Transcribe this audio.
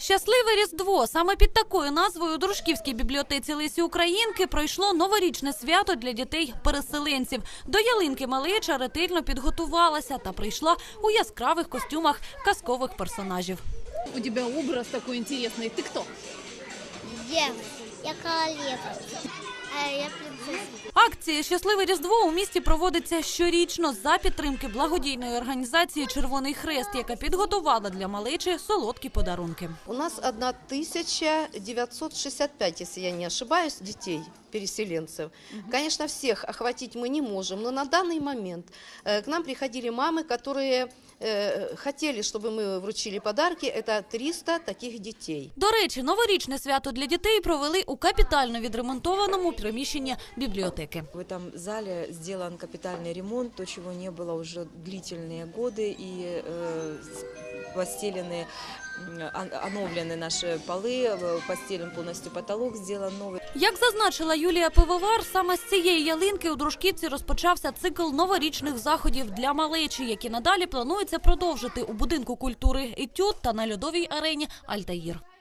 Щасливе Різдво! Саме під такою назвою у Дружківській бібліотеці Лесі Українки пройшло новорічне свято для дітей-переселенців. До ялинки малеча ретельно підготувалася та прийшла у яскравих костюмах казкових персонажів. У тебя образ такой интересный. Ты кто? Я королева. Я принцесса. Акція «Щасливе Різдво» у місті проводиться щорічно за підтримки благодійної організації «Червоний Хрест», яка підготувала для малечі солодкі подарунки. У нас 1965, если я не ошибаюсь, детей, переселенцев. Конечно, всех охватить мы не можем, но на данный момент к нам приходили мамы, которые хотели, чтобы мы вручили подарки. Это 300 таких детей. До речі, новорічне свято для дітей провели у капітально відремонтованому приміщенні бібліотеки. В этом зале сделан капитальный ремонт, то, чего не было уже длительные годы, и постелены, оновлены наши полы, постелен полностью потолок, сделан новый. Як зазначила Юлія Пивовар, саме з цієї ялинки у Дружківці розпочався цикл новорічних заходів для малечі, які надалі планується продовжити у будинку культури «Етюд» та на льодовій арені «Альтаїр».